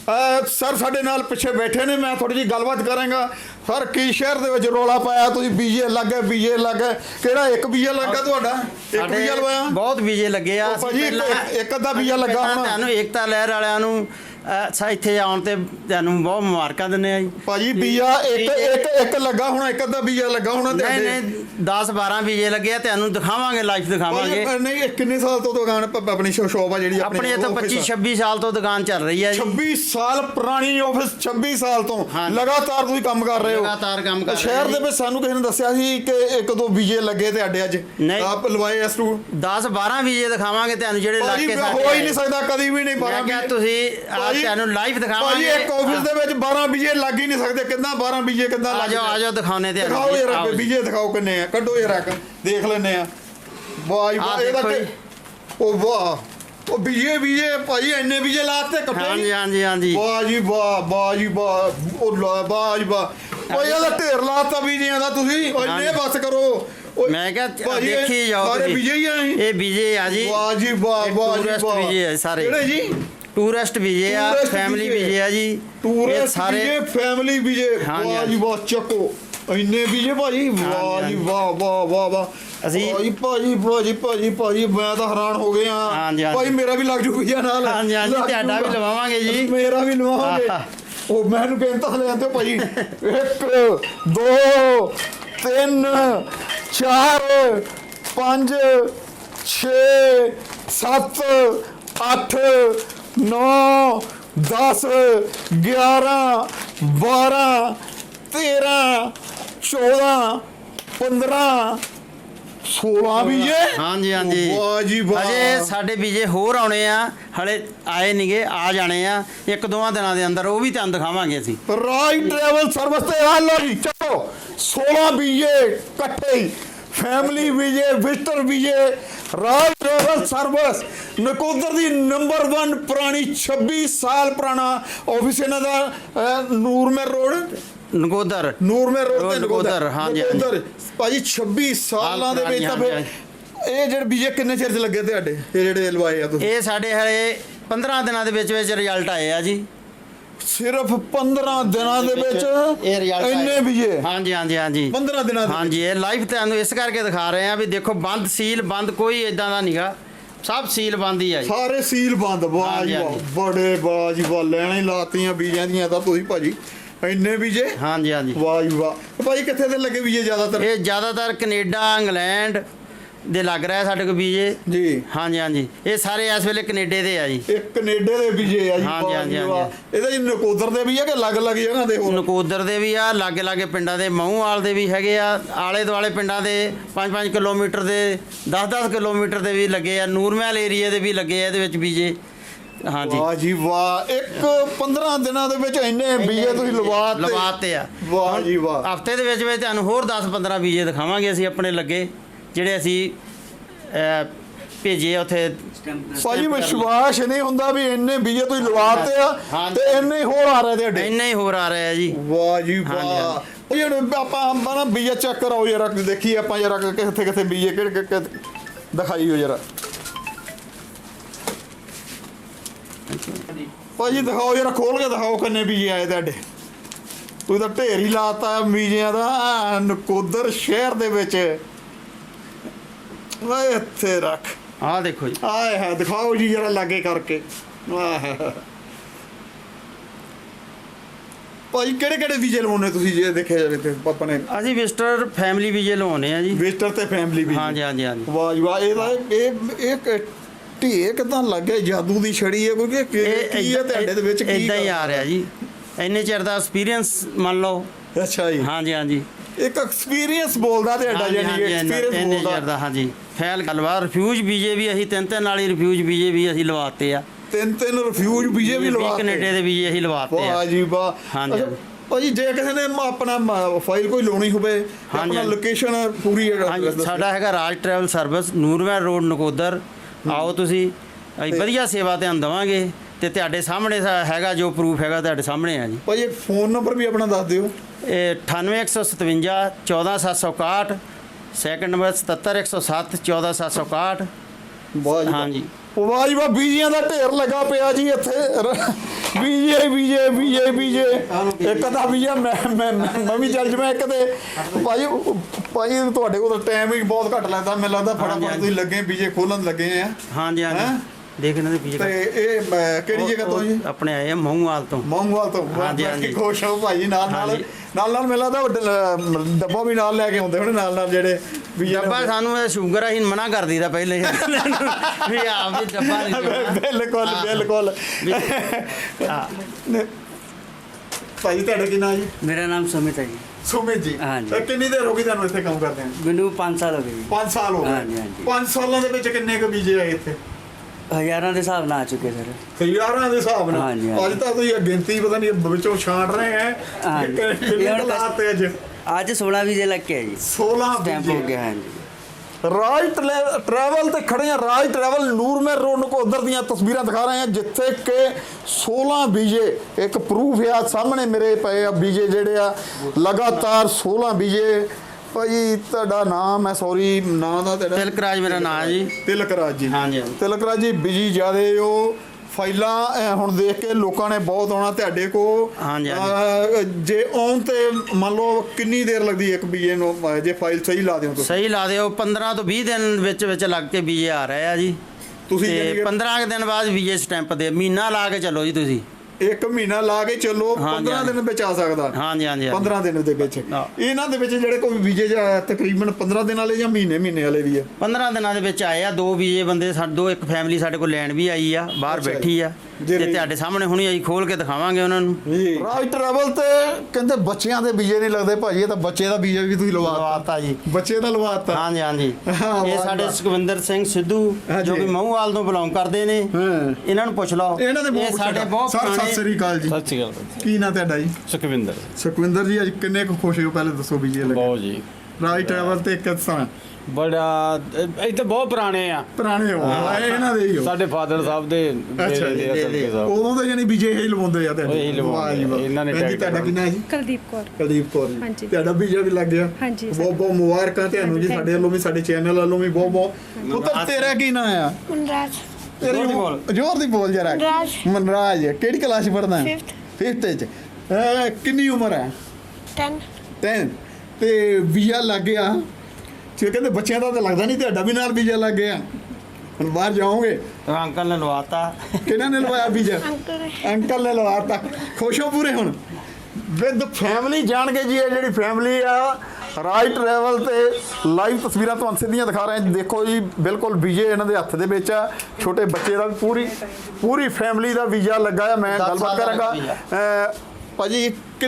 [SPEAKER 2] ਸਰ ਸਾਡੇ ਨਾਲ ਪਿੱਛੇ ਬੈਠੇ ਨੇ, ਮੈਂ ਥੋੜੀ ਜਿਹੀ ਗੱਲਬਾਤ ਕਰਾਂਗਾ। ਸਰ ਕੀ ਸ਼ਹਿਰ ਦੇ ਵਿੱਚ ਰੋਲਾ ਪਾਇਆ ਤੁਸੀਂ? ਵੀਜ਼ੇ ਲੱਗੇ, ਵੀਜ਼ੇ ਲੱਗੇ, ਕਿਹੜਾ ਇੱਕ ਵੀਜ਼ਾ ਲੱਗਾ ਤੁਹਾਡਾ? ਇੱਕ ਵੀਜ਼ਾ ਲਵਾਇਆ?
[SPEAKER 1] ਬਹੁਤ ਵੀਜ਼ੇ ਲੱਗੇ ਆ।
[SPEAKER 2] ਭਾਜੀ ਇੱਕ ਅੱਧਾ ਵੀਜ਼ਾ ਲੱਗਾ ਹੋਣਾ
[SPEAKER 1] ਤੁਹਾਨੂੰ। ਏਕਤਾ ਲਹਿਰ ਵਾਲਿਆਂ ਨੂੰ ਇੱਥੇ ਆਉਣ ਤੇ ਤੁਹਾਨੂੰ ਬਹੁਤ ਮੁਬਾਰਕਾਂ ਦਿੰਦੇ ਆ ਜੀ।
[SPEAKER 2] ਭਾਜੀ ਵੀਜ਼ਾ ਇੱਕ ਲੱਗਾ ਹੋਣਾ, ਇੱਕ ਅੱਧਾ ਵੀਜ਼ਾ ਲੱਗਾ ਹੋਣਾ।
[SPEAKER 1] ਨਹੀਂ 10-12 ਵੀਜ਼ੇ ਲੱਗੇ ਆ, ਤੁਹਾਨੂੰ ਦਿਖਾਵਾਂਗੇ, ਲਾਈਵ ਦਿਖਾਵਾਂਗੇ।
[SPEAKER 2] ਨਹੀਂ ਇਹ ਕਿੰਨੇ ਸਾਲ ਤੋਂ ਦੁਕਾਨ ਆਪਣੀ ਸ਼ੋਪ ਆ ਜਿਹੜੀ
[SPEAKER 1] ਆਪਣੇ ਇੱਥੇ 25-26 ਸਾਲ ਤੋਂ ਦੁਕਾਨ ਚੱਲ ਰਹੀ ਹੈ ਜੀ।
[SPEAKER 2] 26 ਸਾਲ ਪੁਰਾਣੀ ਆਫਿਸ, 26 ਸਾਲ ਤੋਂ ਲਗਾਤਾਰ ਤੁਸੀਂ ਕੰਮ ਕਰ ਰਹੇ ਹੋ।
[SPEAKER 1] ਲਗਾਤਾਰ ਕੰਮ ਕਰ ਰਹੇ
[SPEAKER 2] ਸ਼ਹਿਰ ਦੇ ਵਿੱਚ ਸਾਨੂੰ ਕਿਸੇ ਨੇ ਦੱਸਿਆ ਸੀ ਕਿ ਇੱਕ ਦੋ ਵੀਜ਼ੇ ਲੱਗੇ ਤੇ ਅੱਡੇ ਅੱਜ ਆਪ ਲਵਾਏ ਐਸ ਟੂ
[SPEAKER 1] 10-12 ਵੀਜ਼ੇ ਦਿਖਾਵਾਂਗੇ ਤੁਹਾਨੂੰ, ਜਿਹੜੇ ਇਲਾਕੇ
[SPEAKER 2] ਸਾਡੇ ਹੋ ਹੀ ਨਹੀਂ ਸਕਦਾ ਕਦੀ ਵੀ ਨਹੀਂ। 12
[SPEAKER 1] ਵੀਜ਼ੇ ਤੁਸੀਂ ਤੁਹਾਨੂੰ ਲਾਈਵ ਦਿਖਾਵਾਂਗੇ।
[SPEAKER 2] ਇੱਕ ਆਫਿਸ ਦੇ ਵਿੱਚ 12 ਵੀਜ਼ੇ ਲੱਗ ਹੀ ਨਹੀਂ ਸਕਦੇ। ਕਿੰਨਾ 12 ਵੀਜ਼ੇ ਕਿੱਦਾਂ ਲੱਗ?
[SPEAKER 1] ਆ ਜਾਓ ਦਿਖਾਉਣੇ ਤੇ।
[SPEAKER 2] ਦਿਖਾਓ ਯਾਰ ਵੀਜ਼ੇ ਦਿਖਾਓ ਕਿੰਨੇ ਆ, ਕੱਢੋ ਯਾਰ ਦੇਖ ਲੈਨੇ ਆ। ਵਾਹ ਇਹਦਾ ਉਹ ਵਾਹ ਉਹ ਵੀਜ਼ੇ ਭਾਈ ਇੰਨੇ ਵੀਜ਼ੇ ਲਾਤੇ ਕੱਟੇ।
[SPEAKER 1] ਹਾਂਜੀ ਹਾਂਜੀ ਹਾਂਜੀ।
[SPEAKER 2] ਵਾਹ ਜੀ ਵਾਹ, ਵਾਹ ਜੀ ਵਾਹ, ਉਹ ਵਾਹ ਜੀ ਵਾਹ। ਉਹ ਇਹਦਾ ਢੇਰ ਲਾਤਾ ਵੀਜ਼ਿਆਂ ਦਾ ਤੁਸੀਂ। ਇੰਨੇ ਬਸ ਕਰੋ।
[SPEAKER 1] ਮੈਂ ਕਿਹਾ ਦੇਖੀ ਜਾਓ
[SPEAKER 2] ਸਾਰੇ ਵੀਜ਼ੇ ਹੀ ਆ
[SPEAKER 1] ਇਹ ਵੀਜ਼ੇ ਆ ਜੀ।
[SPEAKER 2] ਵਾਹ ਜੀ ਵਾਹ, ਵਾਹ ਜੀ ਵਾਹ।
[SPEAKER 1] ਵੀਜ਼ੇ ਆ ਸਾਰੇ।
[SPEAKER 2] ਕਿਹੜੇ ਜੀ?
[SPEAKER 1] ਟੂਰਿਸਟ ਵੀਜ਼ੇ ਆ, ਫੈਮਿਲੀ ਵੀਜ਼ੇ ਆ ਜੀ।
[SPEAKER 2] ਟੂਰਿਸਟ ਵੀਜ਼ੇ, ਫੈਮਿਲੀ ਵੀਜ਼ੇ। ਵਾਹ ਜੀ ਵਾਹ, ਚੱਕੋ ਇੰਨੇ ਵੀਜ਼ੇ ਭਾਜੀ। ਵਾਹ ਜੀ ਵਾਹ, ਵਾਹ ਵਾਹ ਵਾਹ। ਅਸੀਂ ਭਾਜੀ ਮੈਂ ਤਾਂ ਹੈਰਾਨ ਹੋ ਗਿਆ ਭਾਈ। ਮੇਰਾ ਵੀ ਲੱਗ ਜੂ ਵੀਜ਼ਾ ਨਾਲ।
[SPEAKER 1] ਹਾਂਜੀ ਹਾਂਜੀ, ਤੁਹਾਡਾ ਵੀ ਲਵਾਵਾਂਗੇ ਜੀ।
[SPEAKER 2] ਮੇਰਾ ਵੀ ਲਵਾਵਾਂਗੇ। ਉਹ ਮੈਨੂੰ ਬੇਨਤੀ ਲੈਂਦੇ ਭਾਜੀ। 1 2 3 4 5 6 7 8 9 10 11 12 13 14 15 16 ਬੀਜੇ।
[SPEAKER 1] ਹਾਂਜੀ ਹਾਂਜੀ
[SPEAKER 2] ਵਾਹ ਜੀ ਵਾਹ।
[SPEAKER 1] ਅਜੇ ਸਾਡੇ ਬੀਜੇ ਹੋਰ ਆਉਣੇ ਆ, ਹਲੇ ਆਏ ਨਹੀਂਗੇ, ਆ ਜਾਣੇ ਆ ਇੱਕ ਦੋਵਾਂ ਦਿਨਾਂ ਦੇ ਅੰਦਰ, ਉਹ ਵੀ ਤੁਹਾਨੂੰ ਦਿਖਾਵਾਂਗੇ ਅਸੀਂ।
[SPEAKER 2] ਰਾਜ ਟਰੈਵਲ ਸਰਵਿਸ ਤੇ ਆ ਲਓ ਜੀ, ਚਲੋ 16 ਬੀਜੇ ਇਕੱਠੇ ਹੀ, ਫੈਮਿਲੀ ਬੀਜੇ, ਵਿਜ਼ਟਰ ਬੀਜੇ। ਰਾਜ ਟਰੈਵਲ ਸਰਵਿਸ ਨਕੋਦਰ ਦੀ ਨੰਬਰ 1 ਪੁਰਾਣੀ 26 ਸਾਲ ਪੁਰਾਣਾ ਆਫਿਸ ਇਹਨਾਂ ਦਾ, ਨੂਰਮਹਿਰ ਰੋਡ,
[SPEAKER 1] ਨਕੋਦਰ
[SPEAKER 2] ਨੂਰਮਹਿਰ ਰੋਡ ਤੇ
[SPEAKER 1] ਨਕੋਦਰ, ਹਾਂਜੀ, ਹਾਂਜੀ।
[SPEAKER 2] ਨਕੋਦਰ ਭਾਜੀ 26 ਸਾਲਾਂ ਦੇ ਵਿੱਚ। ਤਾਂ ਫਿਰ ਇਹ ਜਿਹੜੇ ਬੀਜੇ ਕਿੰਨੇ ਚਿਰ ਚ ਲੱਗੇ ਤੁਹਾਡੇ, ਇਹ ਜਿਹੜੇ ਲਵਾਏ ਆ ਤੁਸੀਂ?
[SPEAKER 1] ਇਹ ਸਾਡੇ ਹਲੇ 15 ਦਿਨਾਂ ਦੇ ਵਿੱਚ ਰਿਜ਼ਲਟ ਆਏ ਆ ਜੀ।
[SPEAKER 2] ਸਿਰਫ 15 ਦਿਨਾਂ ਦੇ ਵਿੱਚ
[SPEAKER 1] ਇਹ result
[SPEAKER 2] ਇੰਨੇ
[SPEAKER 1] ਆਏ।
[SPEAKER 2] ਬੀਜੇ?
[SPEAKER 1] ਹਾਂਜੀ ਹਾਂਜੀ ਹਾਂਜੀ
[SPEAKER 2] 15 ਦਿਨਾਂ ਦੇ
[SPEAKER 1] ਹਾਂਜੀ। ਇਹ ਲਾਈਵ ਤੁਹਾਨੂੰ ਇਸ ਕਰਕੇ ਦਿਖਾ ਰਹੇ ਆ ਵੀ ਦੇਖੋ, ਬੰਦ ਸੀਲ ਬੰਦ, ਕੋਈ ਇਦਾਂ ਦਾ ਨਹੀਂਗਾ, ਸਭ ਸੀਲ ਬੰਦ ਹੀ ਆ ਜੀ।
[SPEAKER 2] ਸਾਰੇ ਸੀਲ ਬੰਦ। ਵਾਹ ਜੀ
[SPEAKER 1] ਹਾਂਜੀ,
[SPEAKER 2] ਵਾਹ,
[SPEAKER 1] ਹਾਂਜੀ।
[SPEAKER 2] ਬੜੇ ਵਾਹ ਜੀ ਵਾਹ, ਲੈਣੇ ਲਾਤੀਆਂ ਬੀਜਾਂ ਦੀਆਂ ਤਾਂ ਤੁਸੀਂ ਭਾਜੀ, ਇੰਨੇ ਬੀਜੇ।
[SPEAKER 1] ਹਾਂਜੀ ਹਾਂਜੀ।
[SPEAKER 2] ਵਾਹ ਜੀ ਵਾਹ। ਤੇ ਭਾਜੀ ਕਿੱਥੇ ਦੇ ਲੱਗੇ ਬੀਜੇ ਜ਼ਿਆਦਾਤਰ?
[SPEAKER 1] ਇਹ ਜ਼ਿਆਦਾਤਰ ਕੈਨੇਡਾ, ਇੰਗਲੈਂਡ ਦੇ ਲੱਗ ਰਿਹਾ ਸਾਡੇ ਕੋਲ ਬੀਜੇ।
[SPEAKER 2] ਜੀ
[SPEAKER 1] ਹਾਂਜੀ ਹਾਂਜੀ। ਇਹ ਸਾਰੇ ਇਸ ਵੇਲੇ ਕੈਨੇਡਾ ਦੇ ਆ ਜੀ।
[SPEAKER 2] ਇਹ ਕੈਨੇਡਾ ਦੇ ਬੀਜੇ ਆ ਜੀ।
[SPEAKER 1] ਹਾਂਜੀ,
[SPEAKER 2] ਵਾਹ
[SPEAKER 1] ਹਾਂਜੀ,
[SPEAKER 2] ਜੀ ਵਾਹ। ਇਹਦਾ ਜੀ ਨਕੋਦਰ ਦੇ ਵੀ ਆ ਕਿ ਅਲੱਗ-ਅਲੱਗ ਜਗ੍ਹਾ ਦੇ ਹੋਰ?
[SPEAKER 1] ਨਕੋਦਰ ਦੇ ਵੀ ਆ, ਲਾਗੇ ਲਾਗੇ ਪਿੰਡਾਂ ਦੇ, ਮਹੂਵਾਲ ਦੇ ਵੀ ਹੈਗੇ ਆ, ਆਲੇ ਦੁਆਲੇ ਪਿੰਡਾਂ ਦੇ 5-5 ਕਿਲੋਮੀਟਰ ਦੇ, 10-10 ਕਿਲੋਮੀਟਰ ਦੇ ਵੀ ਲੱਗੇ ਆ, ਨੂਰਮਹਿਲ ਏਰੀਆ ਦੇ ਵੀ ਲੱਗੇ ਆ ਇਹਦੇ ਵਿੱਚ ਬੀਜੇ। ਹਾਂਜੀ।
[SPEAKER 2] ਵਾਹ ਜੀ ਵਾਹ। ਇੱਕ 15 ਦਿਨਾਂ ਦੇ ਵਿੱਚ ਇੰਨੇ ਬੀਜੇ ਤੁਸੀਂ
[SPEAKER 1] ਲਵਾਤੇ ਆ।
[SPEAKER 2] ਵਾਹ ਜੀ ਵਾਹ।
[SPEAKER 1] ਹਫਤੇ ਦੇ ਵਿੱਚ ਤੁਹਾਨੂੰ ਹੋਰ 10-15 ਬੀਜੇ ਦਿਖਾਵਾਂਗੇ ਅਸੀਂ ਆਪਣੇ ਲੱਗੇ, ਜਿਹੜੇ ਅਸੀਂ ਭੇਜੇ ਆ ਉੱਥੇ।
[SPEAKER 2] ਭਾਜੀ ਵਿਸ਼ਵਾਸ ਨਹੀਂ ਹੁੰਦਾ ਵੀ ਇੰਨੇ ਬੀਜੇ ਤੁਸੀਂ ਲਵਾਤੇ ਆ,
[SPEAKER 1] ਹਾਂਜੀ।
[SPEAKER 2] ਤੇ ਇੰਨੇ ਹੀ ਹੋਰ ਆ ਰਹੇ ਤੁਹਾਡੇ।
[SPEAKER 1] ਇੰਨਾ ਹੀ ਹੋਰ ਆ ਰਿਹਾ ਜੀ।
[SPEAKER 2] ਵਾਹ ਜੀ
[SPEAKER 1] ਹਾਂਜੀ,
[SPEAKER 2] ਵਾਹ। ਇਹ ਹੁਣ ਆਪਾਂ ਨਾ ਬੀਜੇ ਚੈੱਕ ਕਰਾਓ ਜਰਾ, ਦੇਖੀਏ ਆਪਾਂ ਜਰਾ ਕਿੱਥੇ ਕਿੱਥੇ ਬੀਜੇ ਕਿਹੜੇ ਦਿਖਾਈਓ ਜਰਾ ਭਾਜੀ, ਦਿਖਾਓ ਜਰਾ, ਖੋਲ ਕੇ ਦਿਖਾਓ ਕਿੰਨੇ ਬੀਜੇ ਆਏ ਤੁਹਾਡੇ। ਤੁਸੀਂ ਤਾਂ ਢੇਰ ਹੀ ਲਾਤਾ ਬੀਜਿਆਂ ਦਾ ਨਕੋਦਰ ਸ਼ਹਿਰ ਦੇ ਵਿੱਚ। ਓਏ ਇੱਥੇ ਰੱਖ,
[SPEAKER 1] ਆਹ ਦੇਖੋ ਜੀ।
[SPEAKER 2] ਆਏ ਹੈ, ਦਿਖਾਓ ਜੀ ਜਰਾ ਲਾਗੇ ਕਰਕੇ। ਭਾਜੀ ਕਿਹੜੇ ਕਿਹੜੇ ਵੀਜ਼ੇ ਲਵਾਉਣੇ ਤੁਸੀਂ, ਜੇ ਦੇਖਿਆ ਜਾਵੇ ਤੇ ਆਪਾਂ ਨੇ?
[SPEAKER 1] ਅਸੀਂ ਵਿਜ਼ਟਰ ਫੈਮਿਲੀ ਵੀਜ਼ੇ ਲਵਾਉਣੇ ਆ ਜੀ।
[SPEAKER 2] ਵਿਜ਼ਟਰ ਤੇ ਫੈਮਿਲੀ ਵੀ?
[SPEAKER 1] ਹਾਂਜੀ ਹਾਂਜੀ ਹਾਂਜੀ।
[SPEAKER 2] ਵਾਹ ਜੀ ਵਾਹ। ਇਹ ਢੇਰ ਕਿਦਾਂ ਲੱਗ ਗਿਆ, ਜਾਦੂ ਦੀ ਛੜੀ ਹੈ, ਕਿਉਂਕਿ ਕੀ ਹੈ ਤੁਹਾਡੇ ਦੇ ਵਿੱਚ? ਕੀ
[SPEAKER 1] ਇਦਾਂ ਹੀ ਆ ਰਿਹਾ ਜੀ, ਇੰਨੇ ਚਿਰ ਦਾ ਐਕਸਪੀਰੀਅੰਸ ਮੰਨ ਲਓ।
[SPEAKER 2] ਅੱਛਾ ਜੀ।
[SPEAKER 1] ਹਾਂਜੀ ਹਾਂਜੀ।
[SPEAKER 2] ਇੱਕ ਐਕਸਪੀਰੀਅੰਸ ਬੋਲਦਾ ਤੁਹਾਡਾ,
[SPEAKER 1] ਹਾਂਜੀ,
[SPEAKER 2] ਯਾਨੀ
[SPEAKER 1] ਹਾਂਜੀ, ਇੰਨੇ
[SPEAKER 2] ਐਕਸਪੀਰੀਅੰਸ
[SPEAKER 1] ਚਿਰ ਦਾ। ਹਾਂਜੀ। ਫੈਲ ਗੱਲਬਾਤ। ਰਿਫਿਊਜ ਵੀਜ਼ੇ ਵੀ ਅਸੀਂ 3-3 ਵਾਲੀ ਰਿਫਿਊਜ ਵੀਜ਼ੇ ਵੀ ਅਸੀਂ ਲਵਾਤੇ ਆ।
[SPEAKER 2] 3 ਰਿਫਿਊਜ ਵੀਜ਼ੇ ਵੀ ਲਵਾ
[SPEAKER 1] ਕੈਨੇਡਾ ਦੇ ਵੀਜ਼ੇ ਅਸੀਂ ਲਵਾਤੇ ਆ।
[SPEAKER 2] ਵਾਹ ਜੀ ਵਾਹ।
[SPEAKER 1] ਹਾਂਜੀ।
[SPEAKER 2] ਅੱਛਾ, ਭਾਜੀ ਜੇ ਕਿਸੇ ਨੇ ਆਪਣਾ ਫਾਈਲ ਕੋਈ ਲਾਉਣੀ ਹੋਵੇ, ਆਪਣਾ
[SPEAKER 1] ਹਾਂਜੀ।
[SPEAKER 2] ਲੋਕੇਸ਼ਨ ਪੂਰੀ
[SPEAKER 1] ਹਾਂਜੀ। ਸਾਡਾ ਹੈਗਾ Raj travel service, Nurmahal road, Nakodar. ਆਓ ਤੁਸੀਂ, ਅਸੀਂ ਵਧੀਆ ਸੇਵਾ ਧਿਆਨ ਦੇਵਾਂਗੇ, ਤੇ ਤੁਹਾਡੇ ਸਾਹਮਣੇ ਹੈਗਾ ਜੋ ਪ੍ਰੂਫ ਹੈਗਾ ਤੁਹਾਡੇ ਸਾਹਮਣੇ ਆ ਜੀ।
[SPEAKER 2] ਭਾਜੀ ਫੋਨ ਨੰਬਰ ਵੀ ਆਪਣਾ ਦੱਸ ਦਿਓ।
[SPEAKER 1] ਇਹ 98157 14761, ਸੈਕਿੰਡ ਨੰਬਰ 77107 14761।
[SPEAKER 2] ਵਾਹ ਜੀ
[SPEAKER 1] ਹਾਂਜੀ।
[SPEAKER 2] ਵਾਹ ਜੀ ਵਾਹ। ਬੀਜਿਆਂ ਦਾ ਢੇਰ ਲੱਗਾ ਪਿਆ ਜੀ ਇੱਥੇ। ਬੀਜੇ ਬੀਜੇ ਬੀਜੇ ਬੀਜੇ। ਇੱਕ ਤਾਂ ਬੀਜਾ ਮੈਂ ਵੀ ਚੱਲ ਜਾਵਾਂ ਇੱਕ ਤੇ। ਭਾਜੀ ਤੁਹਾਡੇ ਕੋਲ ਤਾਂ ਟਾਈਮ ਹੀ ਬਹੁਤ ਘੱਟ ਲੱਗਦਾ, ਮੈਨੂੰ ਲੱਗਦਾ ਫਟਾਫਟ ਤੁਸੀਂ ਲੱਗੇ ਬੀਜੇ ਖੋਲਣ ਲੱਗੇ ਆ।
[SPEAKER 1] ਹਾਂਜੀ ਹਾਂਜੀ।
[SPEAKER 2] ਹੈਂ?
[SPEAKER 1] ਦੇਖ ਇਹਨਾਂ ਦੇ
[SPEAKER 2] ਤੇ
[SPEAKER 1] ਵੀਜ਼ੇ
[SPEAKER 2] ਇਹ ਕਿਹੜੀ ਜਗ੍ਹਾ ਤੋਂ ਜੀ?
[SPEAKER 1] ਆਪਣੇ ਆਏ ਆ ਮਹੂਵਾਲ ਤੋਂ।
[SPEAKER 2] ਮਹੂਵਾਲ ਤੋਂ।
[SPEAKER 1] ਹਾਂਜੀ, ਹਾਂਜੀ।
[SPEAKER 2] ਖੁਸ਼ ਹੋ ਭਾਜੀ। ਨਾਲ
[SPEAKER 1] ਹਾਂਜੀ।
[SPEAKER 2] ਮੈਨੂੰ ਲੱਗਦਾ ਡੱਬਾ ਵੀ ਨਾਲ ਲੈ ਕੇ ਆਉਂਦੇ ਹੋਣੇ ਨਾਲ ਜਿਹੜੇ ਬੀਜੇ।
[SPEAKER 1] ਡੱਬਾ ਸਾਨੂੰ ਇਹ ਸ਼ੂਗਰ ਅਸੀਂ ਮਨਾ ਕਰ ਦਈਦਾ ਪਹਿਲੇ ਵੀ ਆਪ ਵੀ ਡੱਬਾ ਨਹੀਂ।
[SPEAKER 2] ਬਿਲਕੁਲ ਬਿਲਕੁਲ।
[SPEAKER 1] ਹਾਂ।
[SPEAKER 2] ਭਾਜੀ ਤੁਹਾਡਾ ਕੀ ਨਾਮ ਜੀ?
[SPEAKER 3] ਮੇਰਾ ਨਾਮ ਸੁਮਿਤ ਹੈ ਜੀ।
[SPEAKER 2] ਸੁਮਿਤ ਜੀ।
[SPEAKER 3] ਹਾਂਜੀ।
[SPEAKER 2] ਤਾਂ ਕਿੰਨੀ ਦੇਰ ਹੋ ਗਈ ਤੁਹਾਨੂੰ ਇੱਥੇ ਕੰਮ ਕਰਦੇ ਆ?
[SPEAKER 3] ਮੈਨੂੰ 5 ਸਾਲ ਹੋ ਗਏ ਜੀ।
[SPEAKER 2] 5 ਸਾਲ ਹੋ
[SPEAKER 3] ਹਾਂਜੀ,
[SPEAKER 2] ਗਏ।
[SPEAKER 3] ਹਾਂਜੀ।
[SPEAKER 2] 5 ਸਾਲਾਂ ਦੇ ਵਿੱਚ ਕਿੰਨੇ ਕੁ ਬੀਜੇ ਆਏ ਇੱਥੇ?
[SPEAKER 3] ਹਜ਼ਾਰਾਂ ਦੇ ਹਿਸਾਬ ਨਾਲ ਆ ਚੁੱਕੇ ਸਰ।
[SPEAKER 2] ਹਜ਼ਾਰਾਂ ਦੇ ਹਿਸਾਬ ਨਾਲ।
[SPEAKER 3] ਹਾਂਜੀ, ਹਾਂਜੀ।
[SPEAKER 2] ਅੱਜ ਤਾਂ ਤੁਸੀਂ ਗਿਣਤੀ ਪਤਾ ਨਹੀਂ ਵਿੱਚੋਂ ਛਾਂਟ ਰਹੇ ਆ।
[SPEAKER 3] ਹਾਂਜੀ।
[SPEAKER 2] ਕਿੰਨੇ
[SPEAKER 3] ਇਹ ਹੁਣ
[SPEAKER 2] ਲਾਤੇ ਅੱਜ?
[SPEAKER 3] ਅੱਜ 16 ਵੀਜ਼ੇ ਲੱਗ ਕੇ ਆ ਜੀ।
[SPEAKER 2] 16
[SPEAKER 3] ਸਟੈਂਪ ਹੋ ਗਿਆ। ਹਾਂਜੀ।
[SPEAKER 2] ਰਾਜ ਟਰੈਵਲ ਤੇ ਖੜੇ ਆ। ਰਾਜ ਟਰੈਵਲ ਨੂਰਮਹਿਰ ਰੋਡ ਨੂੰ ਉਧਰ ਦੀਆਂ ਤਸਵੀਰਾਂ ਦਿਖਾ ਰਹੇ ਆ, ਜਿੱਥੇ ਕਿ 16 ਬੀਜੇ, ਇੱਕ ਪ੍ਰੂਫ ਆ ਸਾਹਮਣੇ ਮੇਰੇ ਪਏ ਆ ਬੀਜੇ ਜਿਹੜੇ ਆ ਲਗਾਤਾਰ 16 ਬੀਜੇ। ਭਾਜੀ ਤੁਹਾਡਾ ਨਾਮ ਹੈ? ਸੌਰੀ, ਨਾਮ ਦਾ ਤੁਹਾਡਾ?
[SPEAKER 1] ਤਿਲਕਰਾਜ ਮੇਰਾ ਨਾਮ ਹੈ ਜੀ।
[SPEAKER 2] ਤਿਲਕਰਾਜ ਜੀ।
[SPEAKER 1] ਹਾਂਜੀ ਹਾਂਜੀ।
[SPEAKER 2] ਤਿਲਕਰਾਜ ਜੀ, ਬਿਜੀ ਜਿਆਦੇ ਉਹ ਫਾਈਲਾਂ ਹੁਣ ਦੇਖ ਕੇ ਲੋਕਾਂ ਨੇ ਬਹੁਤ ਆਉਣਾ ਤੁਹਾਡੇ ਕੋ।
[SPEAKER 1] ਹਾਂਜੀ,
[SPEAKER 2] ਜੇ ਆਉਣ ਤੇ ਮੰਨ ਲਓ ਕਿੰਨੀ ਦੇਰ ਲੱਗਦੀ ਇੱਕ ਬੀਜੇ ਨੂੰ, ਜੇ ਫਾਈਲ ਸਹੀ ਲਾ ਦਿਓ ਤੁਸੀਂ?
[SPEAKER 1] ਸਹੀ ਲਾ ਦਿਓ। 15 ਤੋਂ 20 ਦਿਨ ਵਿੱਚ ਲੱਗ ਕੇ ਵੀਜ਼ੇ ਆ ਰਹੇ ਆ ਜੀ।
[SPEAKER 2] ਤੁਸੀਂ
[SPEAKER 1] ਤੇ
[SPEAKER 2] ਜਾਣੀ ਕਿ
[SPEAKER 1] 15 ਦਿਨ ਬਾਅਦ ਵੀਜ਼ੇ ਸਟੈਂਪ ਦੇ, ਮਹੀਨਾ ਲਾ ਕੇ ਚੱਲੋ ਜੀ ਤੁਸੀਂ।
[SPEAKER 2] ਇੱਕ ਮਹੀਨਾ ਲਾ ਕੇ ਚੱਲੋ,
[SPEAKER 1] ਹਾਂਜੀ,
[SPEAKER 2] 15 ਦਿਨ ਵਿੱਚ ਆ ਸਕਦਾ।
[SPEAKER 1] ਹਾਂਜੀ ਹਾਂਜੀ
[SPEAKER 2] 15 ਦਿਨ ਦੇ ਵਿੱਚ
[SPEAKER 1] ਹਾਂ।
[SPEAKER 2] ਇਹਨਾਂ ਦੇ ਵਿੱਚ ਜਿਹੜੇ ਕੋਈ ਵੀਜ਼ੇ ਤਕਰੀਬਨ 15 ਦਿਨ ਵਾਲੇ ਜਾਂ ਮਹੀਨੇ ਵਾਲੇ ਵੀ ਆ?
[SPEAKER 1] 15 ਦਿਨਾਂ ਦੇ ਵਿੱਚ ਆਏ ਆ 2 ਵੀਜ਼ੇ ਬੰਦੇ ਦੋ ਇੱਕ ਫੈਮਿਲੀ ਸਾਡੇ ਕੋਲ ਲੈਣ ਵੀ ਆਈ ਆ, ਬਾਹਰ
[SPEAKER 2] ਅੱਛਾ ਜੀ।
[SPEAKER 1] ਬੈਠੀ ਆ,
[SPEAKER 2] ਜੀ,
[SPEAKER 1] ਤੇ
[SPEAKER 2] ਜੀ।
[SPEAKER 1] ਤੁਹਾਡੇ ਸਾਹਮਣੇ ਹੁਣੀ ਆਈ ਖੋਲ ਕੇ ਦਿਖਾਵਾਂਗੇ ਉਹਨਾਂ ਨੂੰ।
[SPEAKER 2] ਰਾਜ ਟਰੈਵਲ ਤੇ ਕਹਿੰਦੇ ਬੱਚਿਆਂ ਦੇ ਵੀਜ਼ੇ ਨਹੀਂ ਲੱਗਦੇ ਭਾਜੀ, ਇਹ ਤਾਂ ਬੱਚੇ ਦਾ ਵੀਜ਼ਾ ਵੀ ਤੁਸੀਂ ਲਵਾਤਾ
[SPEAKER 1] ਲਵਾਤਾ ਜੀ।
[SPEAKER 2] ਬੱਚੇ ਦਾ ਲਵਾਤਾ।
[SPEAKER 1] ਹਾਂਜੀ ਹਾਂਜੀ
[SPEAKER 2] ਹਾਂ,
[SPEAKER 1] ਇਹ
[SPEAKER 2] ਵਾਹ,
[SPEAKER 1] ਸਾਡੇ
[SPEAKER 2] ਵਾਹ।
[SPEAKER 1] ਸੁਖਵਿੰਦਰ ਸਿੰਘ ਸਿੱਧੂ
[SPEAKER 2] ਹਾਂਜੀ।
[SPEAKER 1] ਜੋ ਕਿ ਮਹੂਵਾਲ ਤੋਂ ਬਿਲੋਂਗ ਕਰਦੇ ਨੇ,
[SPEAKER 2] ਹਾਂ।
[SPEAKER 1] ਇਹਨਾਂ ਨੂੰ ਪੁੱਛ ਲਓ।
[SPEAKER 2] ਇਹਨਾਂ ਦੇ
[SPEAKER 1] ਇਹ ਸਾਡੇ ਬਹੁਤ
[SPEAKER 2] ਸਰ ਸਤਿ
[SPEAKER 1] ਪੁਰਾਣੇ
[SPEAKER 2] ਸ੍ਰੀ ਅਕਾਲ ਜੀ।
[SPEAKER 4] ਸਤਿ ਸ਼੍ਰੀ ਅਕਾਲ।
[SPEAKER 2] ਕੀ ਨਾਂ ਤੁਹਾਡਾ ਜੀ?
[SPEAKER 4] ਸੁਖਵਿੰਦਰ।
[SPEAKER 2] ਸੁਖਵਿੰਦਰ ਜੀ, ਅੱਜ ਕਿੰਨੇ ਕੁ ਖੁਸ਼ ਹੋ ਪਹਿਲੇ ਦੱਸੋ ਵੀਜ਼ੇ ਲੱਗੇ?
[SPEAKER 4] ਬਹੁਤ ਜੀ।
[SPEAKER 2] ਰਾਜ ਟਰੈਵਲ ਤੇ ਕਿਸ ਤਰ੍ਹਾਂ
[SPEAKER 4] ਬੜਾ ਇਹ ਤਾਂ ਬਹੁਤ ਪੁਰਾਣੇ ਆ,
[SPEAKER 2] ਪੁਰਾਣੇ ਹੋ ਆਏ ਇਹਨਾਂ ਦੇ ਹੀ ਹੋ?
[SPEAKER 4] ਸਾਡੇ ਫਾਦਰ ਸਾਹਿਬ ਦੇ
[SPEAKER 2] ਅੱਛਾ ਜੀ,
[SPEAKER 4] ਦੇ ਆ, ਸਦਕੇ ਸਾਹਿਬ।
[SPEAKER 2] ਉਦੋਂ ਤਾਂ ਜਾਨੀ ਵੀਜ਼ੇ ਹੀ ਲਵਾਉਂਦੇ ਆ
[SPEAKER 4] ਉਹ ਇਹੀ ਲਵਾਉਂਦੇ
[SPEAKER 2] ਵਾਹ ਜੀ ਵਾਹ।
[SPEAKER 4] ਇਹਨਾਂ ਨੇ
[SPEAKER 2] ਭੈਣ ਜੀ,
[SPEAKER 4] ਟੈਗ
[SPEAKER 2] ਤੁਹਾਡਾ ਕਿੰਨਾ ਜੀ?
[SPEAKER 6] ਕੁਲਦੀਪ ਕੌਰ।
[SPEAKER 2] ਕੁਲਦੀਪ ਕੌਰ ਜੀ।
[SPEAKER 6] ਹਾਂਜੀ।
[SPEAKER 2] ਤੁਹਾਡਾ ਵੀਜ਼ਾ ਵੀ ਲੱਗ ਗਿਆ?
[SPEAKER 6] ਹਾਂਜੀ,
[SPEAKER 2] ਬਹੁਤ ਬਹੁਤ ਮੁਬਾਰਕਾਂ ਤੁਹਾਨੂੰ ਜੀ,
[SPEAKER 6] ਹਾਂਜੀ,
[SPEAKER 2] ਸਾਡੇ ਵੱਲੋਂ ਵੀ, ਸਾਡੇ ਚੈਨਲ ਵੱਲੋਂ ਵੀ ਬਹੁਤ ਬਹੁਤ। ਪੁੱਤਰ ਤੇਰਾ ਕੀ ਨਾਂ ਆ?
[SPEAKER 6] ਮਨਰਾਜ।
[SPEAKER 1] ਜ਼ੋਰ ਦੀ ਬੋਲ।
[SPEAKER 2] ਜ਼ੋਰ ਦੀ ਬੋਲ ਜਰਾ।
[SPEAKER 6] ਮਨਰਾਜ।
[SPEAKER 2] ਮਨਰਾਜ ਕਿਹੜੀ ਕਲਾਸ ਪੜ੍ਹਦਾ ਹੈ?
[SPEAKER 6] 5th।
[SPEAKER 2] 5th ਚ। ਕਿੰਨੀ ਉਮਰ ਹੈ?
[SPEAKER 6] 10।
[SPEAKER 2] 10। ਤੇ ਵੀਜ਼ਾ ਲੱਗ ਗਿਆ। ਜੇ ਕਹਿੰਦੇ ਬੱਚਿਆਂ ਦਾ ਤਾਂ ਲੱਗਦਾ ਨਹੀਂ, ਤੁਹਾਡਾ ਵੀ ਨਾਲ ਵੀਜ਼ਾ ਲੱਗ ਗਿਆ, ਹੁਣ ਬਾਹਰ ਜਾਓਗੇ।
[SPEAKER 1] ਅੰਕਲ ਨੇ ਲਵਾਤਾ।
[SPEAKER 2] ਕਿਹਨਾਂ ਨੇ ਲਵਾਇਆ ਵੀਜ਼ਾ?
[SPEAKER 6] ਅੰਕਲ।
[SPEAKER 2] ਅੰਕਲ ਨੇ ਲਵਾਤਾ। ਖੁਸ਼ ਹੋ ਪੂਰੇ ਹੁਣ? ਵਿਦ ਫੈਮਿਲੀ ਜਾਣਗੇ ਜੀ। ਇਹ ਜਿਹੜੀ ਫੈਮਿਲੀ ਆ ਰਾਜ ਟਰੈਵਲ ਤੇ ਲਾਈਵ ਤਸਵੀਰਾਂ ਤੁਹਾਨੂੰ ਸਿੱਧੀਆਂ ਦਿਖਾ ਰਹੇ ਹਾਂ। ਦੇਖੋ ਜੀ, ਬਿਲਕੁਲ ਵੀਜ਼ੇ ਇਹਨਾਂ ਦੇ ਹੱਥ ਦੇ ਵਿੱਚ ਆ। ਛੋਟੇ ਬੱਚੇ ਦਾ ਵੀ ਪੂਰੀ ਫੈਮਿਲੀ ਦਾ ਵੀਜ਼ਾ ਲੱਗਾ ਆ। ਮੈਂ
[SPEAKER 1] 10
[SPEAKER 2] ਗੱਲਬਾਤ
[SPEAKER 1] ਸਾਲ ਦਾ
[SPEAKER 2] ਕਰਾਂਗਾ। ਭਾਜੀ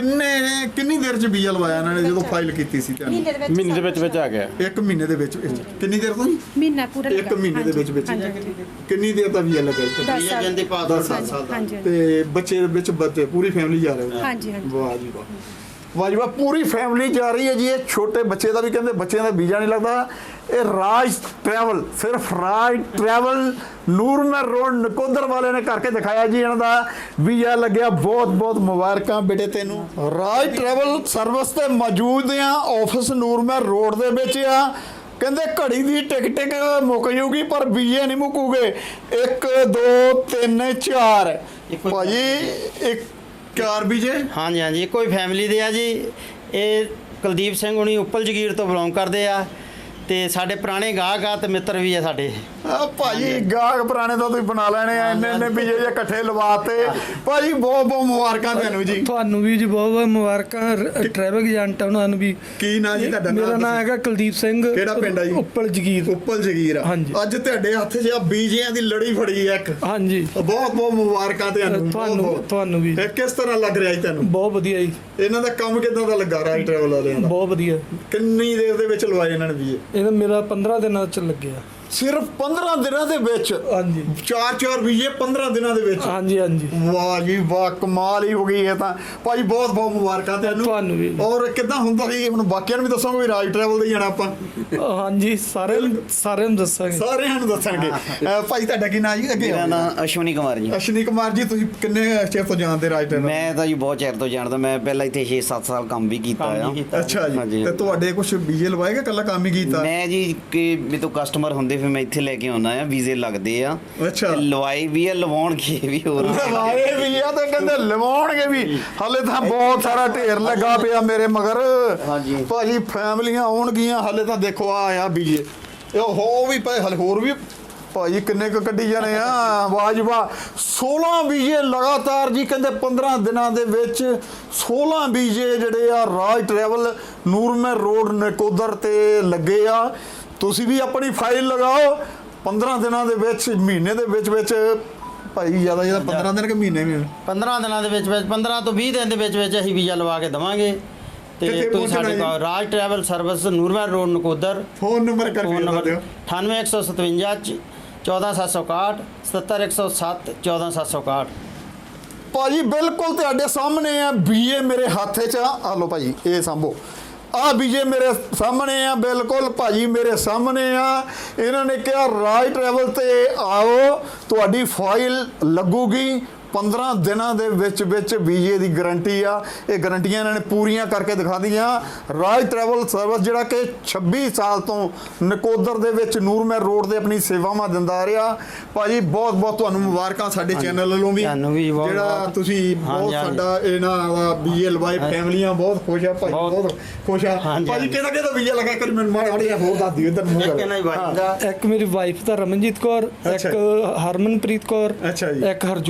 [SPEAKER 2] ਕਿੰਨੀ ਦੇਰ ਚ ਵੀਜ਼ਾ ਲਵਾਇਆ ਇਹਨਾਂ ਨੇ ਜਦੋਂ ਫਾਈਲ ਕੀਤੀ ਸੀ ਤੁਹਾਨੂੰ?
[SPEAKER 4] ਮਹੀਨੇ ਦੇ ਵਿੱਚ ਆ ਗਿਆ।
[SPEAKER 2] 1 ਮਹੀਨੇ ਦੇ ਵਿੱਚ। ਕਿੰਨੀ ਦੇਰ ਤੋਂ ਜੀ?
[SPEAKER 6] ਮਹੀਨਾ ਪੂਰਾ
[SPEAKER 2] 1 ਮਹੀਨੇ ਦੇ ਵਿੱਚ ਕਿੰਨੀ ਦੇਰ ਦਾ ਵੀਜ਼ਾ ਲੱਗਾ ਇੱਥੇ?
[SPEAKER 6] 10 ਸਾਲ।
[SPEAKER 1] ਜਾਂਦੇ ਪਾਸ 10 ਸਾਲ ਦਾ।
[SPEAKER 6] ਹਾਂਜੀ
[SPEAKER 2] ਤੇ ਬੱਚੇ ਦੇ ਵਿੱਚ ਪੂਰੀ ਫੈਮਿਲੀ ਜਾ ਰਹੇ ਹੋ?
[SPEAKER 6] ਹਾਂਜੀ ਹਾਂਜੀ।
[SPEAKER 2] ਵਾਹ ਜੀ ਵਾਹ, ਵਾਹ ਜੀ ਵਾਹ, ਪੂਰੀ ਫੈਮਿਲੀ ਜਾ ਰਹੀ ਹੈ ਜੀ। ਇਹ ਛੋਟੇ ਬੱਚੇ ਦਾ ਵੀ ਕਹਿੰਦੇ ਬੱਚਿਆਂ ਦਾ ਵੀਜ਼ਾ ਨਹੀਂ ਲੱਗਦਾ। ਇਹ ਰਾਜ ਟਰੈਵਲ, ਸਿਰਫ ਰਾਜ ਟਰੈਵਲ ਨੂਰਮਹਿਰ ਰੋਡ ਨਕੋਦਰ ਵਾਲੇ ਨੇ ਕਰਕੇ ਦਿਖਾਇਆ ਜੀ। ਇਹਨਾਂ ਦਾ ਵੀਜ਼ਾ ਲੱਗਿਆ। ਬਹੁਤ ਬਹੁਤ ਮੁਬਾਰਕਾਂ ਬੇਟੇ ਤੈਨੂੰ। ਰਾਜ ਟਰੈਵਲ ਸਰਵਿਸ ਤੇ ਮੌਜੂਦ ਆ। ਆਫਿਸ ਨੂਰਮਹਿਰ ਰੋਡ ਦੇ ਵਿੱਚ ਆ। ਕਹਿੰਦੇ ਘੜੀ ਦੀ ਟਿਕ ਮੁੱਕ ਜੂਗੀ ਪਰ ਵੀਜ਼ੇ ਨਹੀਂ ਮੁੱਕੂਗੇ। 1 2 3 4 ਭਾਜੀ, 4 ਵੀਜ਼ੇ।
[SPEAKER 1] ਹਾਂਜੀ ਹਾਂਜੀ ਇੱਕੋ ਹੀ ਫੈਮਿਲੀ ਦੇ ਆ ਜੀ। ਇਹ ਕੁਲਦੀਪ ਸਿੰਘ ਹੁਣੀ ਉੱਪਲ ਜਗੀਰ ਤੋਂ ਬਿਲੋਂਗ ਕਰਦੇ ਆ, ਤੇ ਸਾਡੇ ਪੁਰਾਣੇ ਗਾਹਕ ਆ ਤੇ ਮਿੱਤਰ ਵੀ ਆ ਸਾਡੇ।
[SPEAKER 2] ਆ ਭਾਜੀ, ਗਾਹਕ ਪੁਰਾਣੇ ਤਾਂ ਤੁਸੀਂ ਬਣਾ ਲੈਣੇ ਆ। ਇੰਨੇ ਵੀਜ਼ੇ ਜੇ ਇਕੱਠੇ ਲਵਾਤੇ। ਭਾਜੀ ਬਹੁਤ ਬਹੁਤ ਮੁਬਾਰਕਾਂ ਤੁਹਾਨੂੰ ਜੀ।
[SPEAKER 5] ਤੁਹਾਨੂੰ ਵੀ ਜੀ ਬਹੁਤ ਬਹੁਤ ਮੁਬਾਰਕਾਂ। ਟਰੈਵਲ ਏਜੰਟ ਆ ਉਹਨਾਂ ਨੂੰ ਵੀ।
[SPEAKER 2] ਕੀ ਨਾਂ ਜੀ ਤੁਹਾਡਾ?
[SPEAKER 5] ਮੇਰਾ ਨਾਮ ਹੈਗਾ ਕੁਲਦੀਪ ਸਿੰਘ।
[SPEAKER 2] ਕਿਹੜਾ ਪਿੰਡ ਆ ਜੀ?
[SPEAKER 5] ਉੱਪਲ ਜਗੀਰ।
[SPEAKER 2] ਉੱਪਲ ਜਗੀਰ।
[SPEAKER 5] ਹਾਂਜੀ।
[SPEAKER 2] ਅੱਜ ਤੁਹਾਡੇ ਹੱਥ 'ਚ ਆ ਵੀਜ਼ਿਆਂ ਦੀ ਲੜੀ ਫੜੀ ਆ ਇੱਕ।
[SPEAKER 5] ਹਾਂਜੀ।
[SPEAKER 2] ਬਹੁਤ ਬਹੁਤ ਮੁਬਾਰਕਾਂ ਤੁਹਾਨੂੰ।
[SPEAKER 5] ਤੁਹਾਨੂੰ ਵੀ
[SPEAKER 2] ਇਹ ਕਿਸ ਤਰ੍ਹਾਂ ਲੱਗ ਰਿਹਾ ਜੀ ਤੁਹਾਨੂੰ?
[SPEAKER 5] ਬਹੁਤ ਵਧੀਆ ਜੀ।
[SPEAKER 2] ਇਹਨਾਂ ਦਾ ਕੰਮ ਕਿੱਦਾਂ ਦਾ ਲੱਗਾ ਰਾਜ ਟਰੈਵਲ ਵਾਲਿਆਂ ਦਾ?
[SPEAKER 5] ਬਹੁਤ ਵਧੀਆ।
[SPEAKER 2] ਕਿੰਨੀ ਦੇਰ ਦੇ ਵਿੱਚ ਲਵਾਏ ਇਹਨਾਂ ਨੇ ਵੀਜ਼ੇ?
[SPEAKER 5] ਇਹਦਾ ਮੇਰਾ 15 ਦਿਨਾਂ ਚ ਲੱਗਿਆ।
[SPEAKER 2] ਸਿਰਫ 15 ਦਿਨਾਂ ਦੇ ਵਿੱਚ?
[SPEAKER 5] ਹਾਂਜੀ
[SPEAKER 2] 4 ਵੀਜ਼ੇ 15 ਦਿਨਾਂ ਦੇ ਵਿੱਚ?
[SPEAKER 5] ਹਾਂਜੀ ਹਾਂਜੀ।
[SPEAKER 2] ਵਾਹ ਜੀ ਵਾਹ, ਕਮਾਲ ਹੀ ਹੋ ਗਈ ਇਹ ਤਾਂ। ਭਾਈ ਬਹੁਤ ਬਹੁਤ ਮੁਬਾਰਕਾਂ
[SPEAKER 5] ਤੁਹਾਨੂੰ ਵੀ।
[SPEAKER 2] ਔਰ ਕਿੱਦਾਂ ਹੁੰਦਾ ਸੀ ਹੁਣ ਬਾਕੀਆਂ ਨੂੰ ਵੀ ਦੱਸੋਗੇ ਵੀ ਰਾਜ ਟਰੈਵਲ ਦੇ ਜਾਣਾ ਆਪਾਂ?
[SPEAKER 5] ਹਾਂਜੀ, ਸਾਰਿਆਂ ਨੂੰ ਦੱਸਾਂਗੇ।
[SPEAKER 2] ਸਾਰਿਆਂ ਨੂੰ ਦੱਸਣਗੇ। ਭਾਈ ਤੁਹਾਡਾ ਕੀ ਨਾਮ ਜੀ? ਅੱਗੇ
[SPEAKER 3] ਮੇਰਾ ਨਾਮ ਅਸ਼ਵਨੀ ਕੁਮਾਰ ਜੀ।
[SPEAKER 2] ਅਸ਼ਵਨੀ ਕੁਮਾਰ ਜੀ, ਤੁਸੀਂ ਕਿੰਨੇ ਚਿਰ ਤੋਂ ਜਾਣਦੇ ਰਾਜ ਟਰੈਵਲ?
[SPEAKER 3] ਮੈਂ ਤਾਂ ਜੀ ਬਹੁਤ ਚਿਰ ਤੋਂ ਜਾਣਦਾ। ਮੈਂ ਪਹਿਲਾਂ ਇੱਥੇ 6-7 ਸਾਲ ਕੰਮ ਵੀ ਕੀਤਾ ਆ।
[SPEAKER 2] ਅੱਛਾ ਜੀ।
[SPEAKER 3] ਹਾਂਜੀ।
[SPEAKER 2] ਤੇ ਤੁਹਾਡੇ ਕੁਝ ਵੀਜ਼ੇ ਲਵਾਏਗਾ ਕੱਲਾ ਕੰਮ ਹੀ ਕੀਤਾ?
[SPEAKER 3] ਮੈਂ ਜੀ ਕਿ ਮੇਰੇ ਤੋਂ ਕਸਟਮਰ ਹੁੰਦੇ ਫਿਰ ਮੈਂ ਇੱਥੇ ਲੈ ਕੇ ਆਉਣਾ ਆ। ਵੀਜ਼ੇ ਲੱਗਦੇ ਆ।
[SPEAKER 2] ਅੱਛਾ।
[SPEAKER 3] ਤੇ ਲਵਾਈ ਵੀ ਆ, ਲਵਾਉਣਗੇ ਵੀ ਹੋਰ।
[SPEAKER 2] ਲਵਾਏ ਵੀ ਆ ਤੇ ਕਹਿੰਦੇ ਲਵਾਉਣਗੇ ਵੀ। ਹਲੇ ਤਾਂ ਬਹੁਤ ਸਾਰਾ ਢੇਰ ਲੱਗਾ ਪਿਆ ਮੇਰੇ ਮਗਰ।
[SPEAKER 3] ਹਾਂਜੀ।
[SPEAKER 2] ਭਾਜੀ ਫੈਮਲੀਆਂ ਆਉਣਗੀਆਂ। ਹਲੇ ਤਾਂ ਦੇਖੋ ਆ ਵੀਜ਼ੇ ਇਹ ਹੋ ਵੀ ਪਏ, ਹਲੇ ਹੋਰ ਵੀ ਭਾਜੀ ਕਿੰਨੇ ਕੁ ਕੱਢੀ ਜਾਣੇ ਆ। ਵਾਹ ਜੀ ਵਾਹ, 16 ਵੀਜ਼ੇ ਲਗਾਤਾਰ ਜੀ। ਕਹਿੰਦੇ 15 ਦਿਨਾਂ ਦੇ ਵਿੱਚ 16 ਵੀਜ਼ੇ ਜਿਹੜੇ ਆ ਰਾਜ ਟਰੈਵਲ ਨੂਰਮਹਿਰ ਰੋਡ ਨਕੋਦਰ ਤੇ ਲੱਗੇ ਆ। ਤੁਸੀਂ ਵੀ ਆਪਣੀ ਫਾਈਲ ਲਗਾਓ। 15 ਦਿਨਾਂ ਦੇ ਵਿੱਚ, ਮਹੀਨੇ ਦੇ ਵਿੱਚ ਭਾਈ ਜ਼ਿਆਦਾ 15 ਦਿਨ ਕਿ ਮਹੀਨੇ ਵੀ?
[SPEAKER 1] 15 ਦਿਨਾਂ ਦੇ ਵਿੱਚ 15 ਤੋਂ 20 ਦਿਨ ਦੇ ਵਿੱਚ ਅਸੀਂ ਵੀਜ਼ਾ ਲਵਾ ਕੇ ਦਵਾਂਗੇ। ਤੇ
[SPEAKER 2] ਕਿੱਥੇ
[SPEAKER 1] ਤੁਸੀਂ
[SPEAKER 2] ਪਹੁੰਚਣਾ
[SPEAKER 1] ਸਾਡੇ
[SPEAKER 2] ਜੀ?
[SPEAKER 1] ਕੋਲ Raj travel service Nurmahal road Nakodar.
[SPEAKER 2] Phone number ਕਰਕੇ
[SPEAKER 1] ਫੋਨ
[SPEAKER 2] ਦੱਸ
[SPEAKER 1] ਨੰਬਰ
[SPEAKER 2] ਦਿਓ।
[SPEAKER 1] 98 157 14761 77107 14761।
[SPEAKER 2] ਭਾਜੀ ਬਿਲਕੁਲ ਤੁਹਾਡੇ ਸਾਹਮਣੇ ਆ ਵੀਜ਼ੇ ਮੇਰੇ ਹੱਥ 'ਚ ਆ ਲਓ ਭਾਜੀ, ਇਹ ਸੰਭੋ। ਆ ਵੀਜ਼ੇ ਮੇਰੇ ਸਾਹਮਣੇ ਆ, ਬਿਲਕੁਲ ਭਾਜੀ ਮੇਰੇ ਸਾਹਮਣੇ ਆ। ਇਹਨਾਂ ਨੇ ਕਿਹਾ ਰਾਜ ਟਰੈਵਲ ਤੇ ਆਓ, ਤੁਹਾਡੀ ਫਾਈਲ ਲੱਗੂਗੀ 15 ਦਿਨਾਂ ਦੇ ਵਿੱਚ ਵੀਜ਼ੇ ਦੀ ਗਾਰੰਟੀ ਆ। ਇਹ ਗਾਰੰਟੀਆਂ ਇਹਨਾਂ ਨੇ ਪੂਰੀਆਂ ਕਰਕੇ ਦਿਖਾ ਦਿੱਤੀਆਂ। ਰਾਜ ਟਰੈਵਲ ਸਰਵਿਸ ਜਿਹੜਾ ਕਿ 26 ਸਾਲ ਤੋਂ ਨਕੋਦਰ ਦੇ ਵਿੱਚ ਨੂਰਮਹਿਰ ਰੋਡ ਤੇ ਆਪਣੀ ਸੇਵਾਵਾਂ ਦਿੰਦਾ ਰਿਹਾ। ਭਾਜੀ ਬਹੁਤ ਬਹੁਤ ਤੁਹਾਨੂੰ ਮੁਬਾਰਕਾਂ ਸਾਡੇ ਚੈਨਲ ਵੱਲੋਂ ਵੀ।
[SPEAKER 1] ਤੁਹਾਨੂੰ ਵੀ ਬਹੁਤ
[SPEAKER 2] ਜਿਹੜਾ
[SPEAKER 1] ਬਹੁਤ।
[SPEAKER 2] ਤੁਸੀਂ ਬਹੁਤ
[SPEAKER 1] ਹਾਂਜੀ।
[SPEAKER 2] ਸਾਡਾ ਇਹਨਾਂ ਦਾ ਵੀਜ਼ੇ ਲਵਾਏ, ਫੈਮਲੀਆਂ ਬਹੁਤ ਖੁਸ਼ ਆ ਭਾਈ, ਬਹੁਤ ਖੁਸ਼ ਆ।
[SPEAKER 1] ਹਾਂਜੀ,
[SPEAKER 2] ਭਾਜੀ
[SPEAKER 1] ਹਾਂਜੀ।
[SPEAKER 2] ਕਿਹਦਾ ਵੀਜ਼ਾ ਲਗਾ ਕਰ ਮੈਨੂੰ ਮਾੜਾ ਹੋਰ ਦੱਸ ਦਿਓ ਇੱਧਰ ਮੂੰਹ ਕਰ।
[SPEAKER 1] ਕਿੰਨਾ ਹੀ ਵਾਜਦਾ।
[SPEAKER 5] ਇੱਕ ਮੇਰੀ ਵਾਈਫ ਦਾ ਰਮਨਜੀਤ ਕੌਰ,
[SPEAKER 2] ਅੱਛਾ
[SPEAKER 5] ਇੱਕ ਹਰਮਨਪ੍ਰੀਤ ਕੌਰ,
[SPEAKER 2] ਅੱਛਾ ਜੀ।
[SPEAKER 5] ਇੱਕ ਹਰਜੋਤ ਕੌਰ,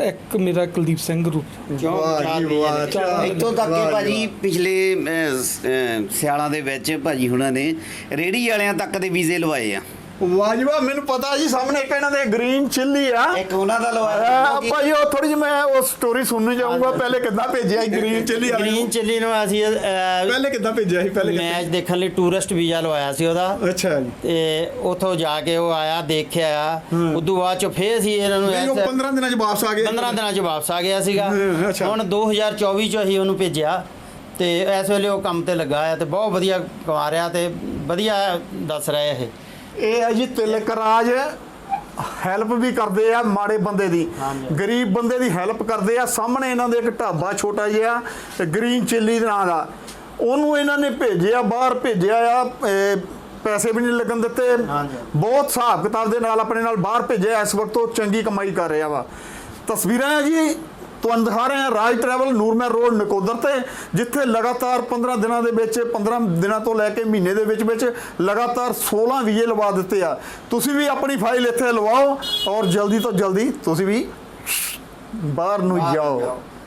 [SPEAKER 5] ਇੱਕ ਮੇਰਾ ਕੁਲਦੀਪ ਸਿੰਘ ਗਰੁੱਪ।
[SPEAKER 2] ਵਾਹ ਜੀ ਵਾਹ
[SPEAKER 3] ਇੱਥੋਂ ਤੱਕ ਕਿ ਭਾਜੀ ਪਿਛਲੇ ਸਿਆਲਾਂ ਦੇ ਵਿੱਚ ਭਾਜੀ ਹੁਣਾਂ ਨੇ ਰੇਹੜੀ ਵਾਲਿਆਂ ਤੱਕ ਦੇ ਵੀਜ਼ੇ ਲਵਾਏ ਆ।
[SPEAKER 2] ਵਾਹ ਜੀ ਵਾਹ, ਮੈਨੂੰ ਪਤਾ ਜੀ ਸਾਹਮਣੇ ਇੱਕ ਇਹਨਾਂ ਦੇ ਗ੍ਰੀਨ ਚਿੱਲੀ ਆ।
[SPEAKER 3] ਇੱਕ ਉਹਨਾਂ ਦਾ ਲਵਾਇਆ
[SPEAKER 2] ਭਾਈ ਉਹ ਥੋੜੀ ਜਿਹੀ ਮੈਂ ਉਹ ਸਟੋਰੀ ਸੁਣਨੀ ਚਾਹੂੰਗਾ। ਪਹਿਲੇ ਕਿੱਦਾਂ ਭੇਜਿਆ ਸੀ ਗ੍ਰੀਨ ਚਿੱਲੀ ਵਾਲੇ
[SPEAKER 1] ਗ੍ਰੀਨ
[SPEAKER 2] ਨੂੰ?
[SPEAKER 1] ਚਿੱਲੀ ਨੂੰ ਅਸੀਂ
[SPEAKER 2] ਪਹਿਲੇ ਕਿੱਦਾਂ ਭੇਜਿਆ ਸੀ? ਪਹਿਲੇ
[SPEAKER 1] ਮੈਚ ਦੇਖਣ ਲਈ ਟੂਰਿਸਟ ਵੀਜ਼ਾ ਲਵਾਇਆ ਸੀ ਉਹਦਾ,
[SPEAKER 2] ਅੱਛਾ ਜੀ।
[SPEAKER 1] ਤੇ ਉਥੋਂ ਜਾ ਕੇ ਉਹ ਆਇਆ, ਦੇਖਿਆ, ਉਦੋਂ ਬਾਅਦ ਚ ਫੇਰ ਸੀ ਇਹਨਾਂ ਨੂੰ
[SPEAKER 2] ਨਹੀਂ, ਉਹ 15 ਦਿਨਾਂ ਚ ਵਾਪਸ ਆ ਗਏ।
[SPEAKER 1] 15 ਦਿਨਾਂ ਚ ਵਾਪਸ ਆ ਗਿਆ ਸੀਗਾ।
[SPEAKER 2] ਅੱਛਾ।
[SPEAKER 1] ਹੁਣ 2024 ਚ ਅਸੀਂ ਉਹਨੂੰ ਭੇਜਿਆ ਤੇ ਇਸ ਵੇਲੇ ਉਹ ਕੰਮ ਤੇ ਲੱਗਾ ਆ ਤੇ ਬਹੁਤ ਵਧੀਆ ਕਮਾ ਰਿਹਾ ਤੇ ਵਧੀਆ ਦੱਸ ਰਿਹਾ ਇਹ।
[SPEAKER 2] ਇਹ ਹੈ ਜੀ ਤਿਲਕ ਰਾਜ, ਹੈਲਪ ਵੀ ਕਰਦੇ ਆ ਮਾੜੇ ਬੰਦੇ ਦੀ, ਗਰੀਬ ਬੰਦੇ ਦੀ ਹੈਲਪ ਕਰਦੇ ਆ। ਸਾਹਮਣੇ ਇਹਨਾਂ ਦੇ ਇੱਕ ਢਾਬਾ ਛੋਟਾ ਜਿਹਾ ਗ੍ਰੀਨ ਚਿੱਲੀ ਦੇ ਨਾਂ ਦਾ, ਉਹਨੂੰ ਇਹਨਾਂ ਨੇ ਭੇਜਿਆ, ਬਾਹਰ ਭੇਜਿਆ ਆ। ਪੈਸੇ ਵੀ ਨਹੀਂ ਲੱਗਣ ਦਿੱਤੇ, ਬਹੁਤ ਹਿਸਾਬ ਕਿਤਾਬ ਦੇ ਨਾਲ ਆਪਣੇ ਨਾਲ ਬਾਹਰ ਭੇਜਿਆ। ਇਸ ਵਕਤ ਉਹ ਚੰਗੀ ਕਮਾਈ ਕਰ ਰਿਹਾ ਵਾ। ਤਸਵੀਰਾਂ ਹੈ ਜੀ, ਤੁਹਾਨੂੰ ਦਿਖਾ ਰਹੇ ਹਾਂ ਰਾਜ ਟਰੈਵਲ ਨੂਰਮਹਿਰ ਰੋਡ ਨਕੋਦਰ ਤੇ, ਜਿੱਥੇ ਲਗਾਤਾਰ 15 ਦਿਨਾਂ ਦੇ ਵਿੱਚ, 15 ਦਿਨਾਂ ਤੋਂ ਲੈ ਕੇ ਮਹੀਨੇ ਦੇ ਵਿੱਚ ਲਗਾਤਾਰ 16 ਵੀਜ਼ੇ ਲਵਾ ਦਿੱਤੇ ਆ। ਤੁਸੀਂ ਵੀ ਆਪਣੀ ਫਾਈਲ ਇੱਥੇ ਲਵਾਓ ਔਰ ਜਲਦੀ ਤੋਂ ਜਲਦੀ ਤੁਸੀਂ ਵੀ ਬਾਹਰ ਨੂੰ ਜਾਓ।